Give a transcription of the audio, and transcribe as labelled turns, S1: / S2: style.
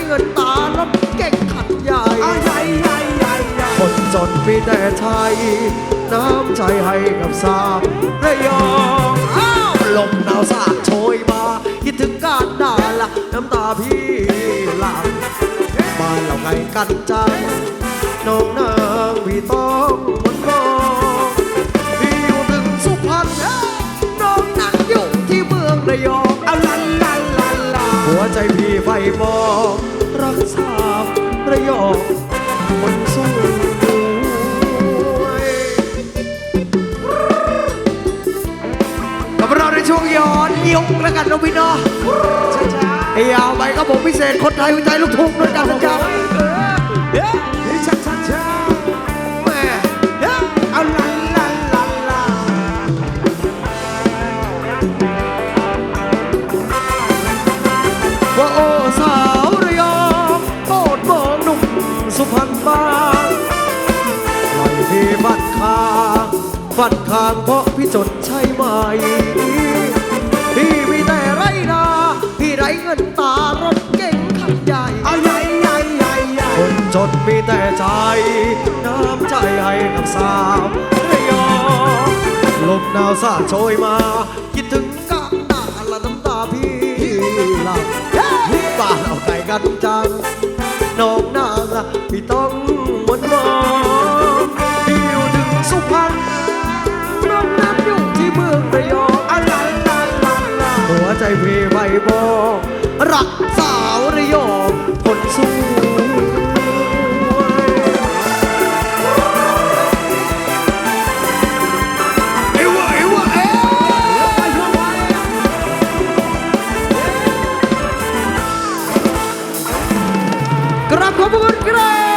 S1: เงินตารถเก่งขัดใหญ่คนจนมีแต่ไทยน้ำใจให้กับสาวระยองลมหนาวสาดโชยมาคิดถึงการด่าละน้ำตาพี่หลังบ้านเราไงกันจังน้องนางพี่ต้องมันมองพี่อยู่ถึงสุพรรณน้องนั่งอยู่ที่เมืองระยองหัวใจพี่ไฟมองรักษาระยองคนสู้กับเราในช่วงย้อนยุคแล้วกันน้องพี่น้องไอ้ยาวไปครับผมพิเศษคนไทยหัวใจลูกทุ่งด้วยกันนะจ๊ะแม่เอาว่าโอ้สาวระยองโปรดมองหนุ่มสุพรรณบ้างปล่อยพี่บัดคางเพราะพี่จนใช่ไหมพี่มีแต่ไรนาพี่ไรเงินตารถเก่งขับใหญ่คนจนมีแต่ใจน้ำใจให้กับสาวระยองลมหนาวสาดโชยมาคิดถึงกันหน้าละน้ำตาพี่หลับบ้านเอาไก่กันจังน้องนางละพี่ต้องมันมองพี่อยู่ถึงสุพรรณน้องนั้นอยู่ที่เมืองระยองหัวใจพี่ไฟบอกรักสาวระยองคนสวยกราบขอบคุณครับ